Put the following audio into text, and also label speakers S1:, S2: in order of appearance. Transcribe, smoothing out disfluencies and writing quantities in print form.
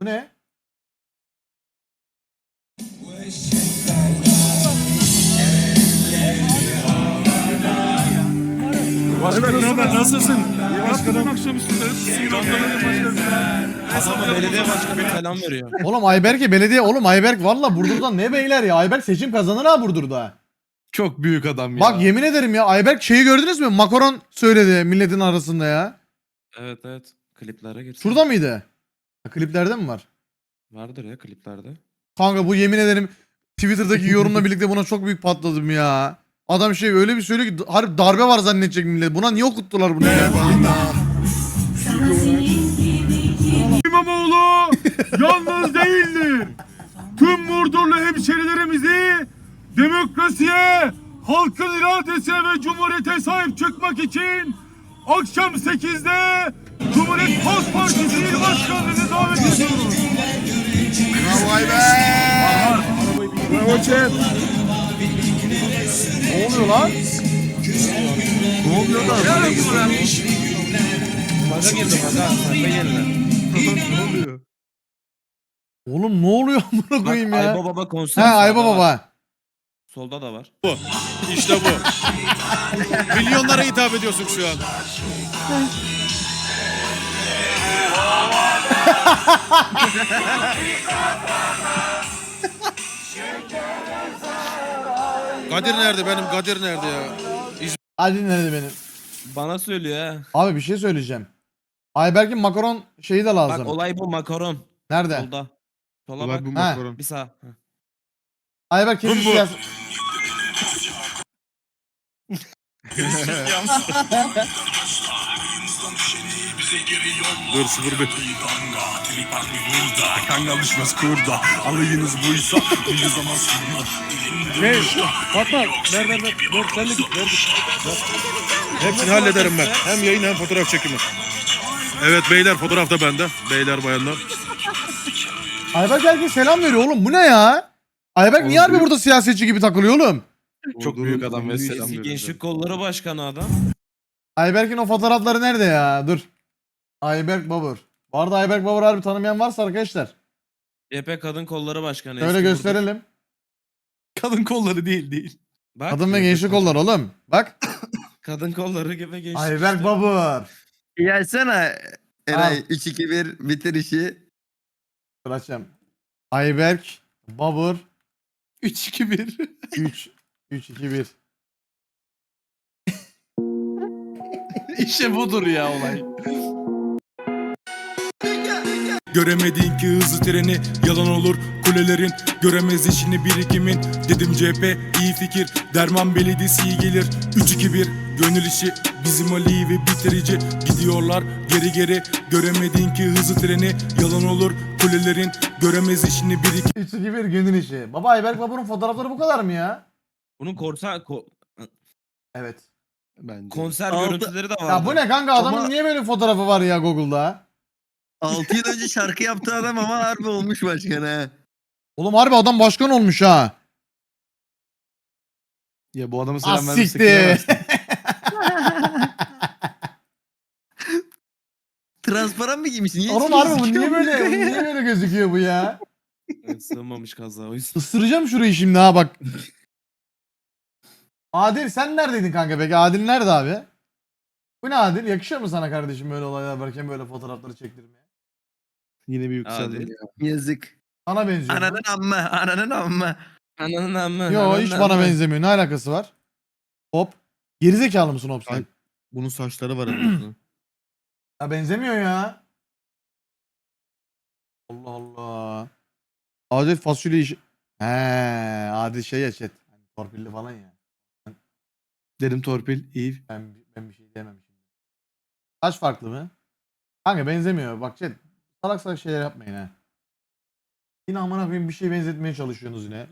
S1: ne?
S2: Başkanım ne haber? Nasılsın? İyi başkanım. Akşamüstü
S3: Adama belediye başkanı selam veriyor.
S1: Oğlum Ayberk'e belediye oğlum Ayberk valla Burdur'dan ne beyler ya. Ayberk seçim kazanır ha Burdur'da.
S2: Çok büyük adam ya.
S1: Bak yemin ederim ya Ayberk şeyi gördünüz mü? Makaron söyledi milletin arasında ya.
S3: Evet evet. Kliplere girsin.
S1: Şurada mıydı? Ha, kliplerde mi var?
S3: Vardır ya kliplerde.
S1: Kanka bu yemin ederim Twitter'daki yorumla birlikte buna çok büyük patladım ya. Adam şey öyle bir söylüyor ki harbi darbe var zannedecek millet. Buna niye okuttular bunu ya?
S2: İmamoğlu yalnız değildir. Tüm Murdurlu hemşerilerimizi demokrasiye, halkın iradesine ve cumhuriyete sahip çıkmak için akşam 8'de Cumhuriyet Halk Partisi İl Başkanlığı'nı davet ediyoruz.
S1: Bravo Ayberk!
S2: Bravo Cem.
S1: Ne oluyor lan?
S2: Ne oluyor da?
S3: Maga girdi maga. Sayfa yerine.
S2: Ne oluyor?
S1: Oğlum ne oluyor amına
S3: Bak
S1: koyayım ya?
S3: Ayba Baba konser.
S1: He
S3: sağda
S1: Ayba
S3: var.
S1: Baba.
S3: Solda da var.
S4: İşte bu. Milyonlara hitap ediyorsun şu an. Kadir nerede benim? Kadir nerede ya?
S1: Hadi nerede benim?
S3: Bana söylüyor ha.
S1: Abi bir şey söyleyeceğim. Ayberk'in makaron şeyi de lazım.
S3: Bak olay bu makaron.
S1: Nerede?
S3: Solda. Sola
S2: Olay
S3: bak.
S2: bu
S1: He.
S2: makaron.
S3: Bir sağ. Heh.
S1: Ayberk kesin
S4: Bu.
S1: siyasi...
S4: Dur 01.
S2: Kangal düşmez kurda. Alayınız buysa bir zaman
S4: Ne? Fatma ver. Sen de git ver. Hepsini hallederim ben. Hem yayın hem fotoğraf çekimi. Evet beyler fotoğraf da bende. Beyler bayanlar.
S1: Ayberk herkese selam veriyor oğlum. Bu ne ya? Ayberk niye harbi burada siyasetçi gibi takılıyor oğlum?
S4: Çok büyük adam ve selam
S3: Eski
S4: veriyorum.
S3: Gençlik Kolları Başkanı adam.
S1: Ayberk'in o fotoğrafları nerede ya? Dur. Ayberk Babur. Bu arada Ayberk Babur harbi tanımayan varsa arkadaşlar.
S3: CHP Kadın Kolları Başkanı.
S1: Şöyle
S3: eski
S1: gösterelim.
S2: Kadın kolları değil.
S3: Bak.
S1: Kadın ve gençlik kolları oğlum. Bak.
S3: Kadın kolları gibi gençlik.
S1: Ayberk
S3: işte.
S1: Babur.
S5: Gelsene Eray
S1: Al.
S5: 3-2-1 bitir işi.
S1: Dur açacağım. Ayberk Babur
S2: 3-2-1.
S1: 3-2-1.
S2: İşte budur ya olay.
S6: Göremedin ki hızlı treni yalan olur kulelerin. Göremez işini birikimin. Dedim CHP iyi fikir. Derman belediyesi iyi gelir. 3-2-1 gönül işi. Bizim Ali ve bitirici. Gidiyorlar geri. Göremedin ki hızlı treni yalan olur kulelerin. Göremez işini birikimin.
S1: 3-2-1 gönül işi. Baba Ayberk Babur'un fotoğrafları bu kadar mı ya?
S3: Bunun
S1: Evet.
S2: Bence.
S3: konser
S5: Aldı.
S3: görüntüleri de var.
S1: Ya bu ne kanka adamın
S5: Ama-
S1: niye böyle fotoğrafı var ya Google'da?
S5: 6 yıl önce şarkı yaptı adam ama harbi olmuş başkan ha.
S1: Oğlum harbi adam başkan olmuş ha.
S2: Ya bu adamı selam
S1: Az
S2: vermesek
S1: siktir.
S2: diyemezsin.
S5: Transparan mı giymiş? Niye
S1: Oğlum harbi bu niye böyle gözüküyor bu ya?
S3: Evet, sığmamış kaza o yüzden.
S1: Isıracağım şurayı şimdi ha bak. Adil sen neredeydin kanka peki? Adil nerede abi? Bu ne Adil? Yakışıyor mu sana kardeşim böyle olaylar varken böyle fotoğrafları çektirmeye?
S2: Yine bir yükseldim
S3: Hadi.
S2: ya.
S5: Yazık.
S1: Sana benziyor. mu?
S5: Ananın amma.
S3: Ananın amma.
S1: Yo
S3: ananın
S1: hiç bana
S3: amma.
S1: benzemiyor. Ne alakası var? Hop. Gerizekalı mısın hop sen?
S2: Ay. Bunun saçları var herhalde.
S1: Ya benzemiyor ya. Allah Allah. Adil fasulye işi. He, Adil şey ya chat. Hani torpilli falan ya.
S2: Dedim torpil iyi.
S1: Ben bir şey diyemem şimdi. Saç farklı mı? Kanka benzemiyor. Bak chat. Salak salak şeyler yapmayın ha. Yine amına koyayım bir şey benzetmeye çalışıyorsunuz yine.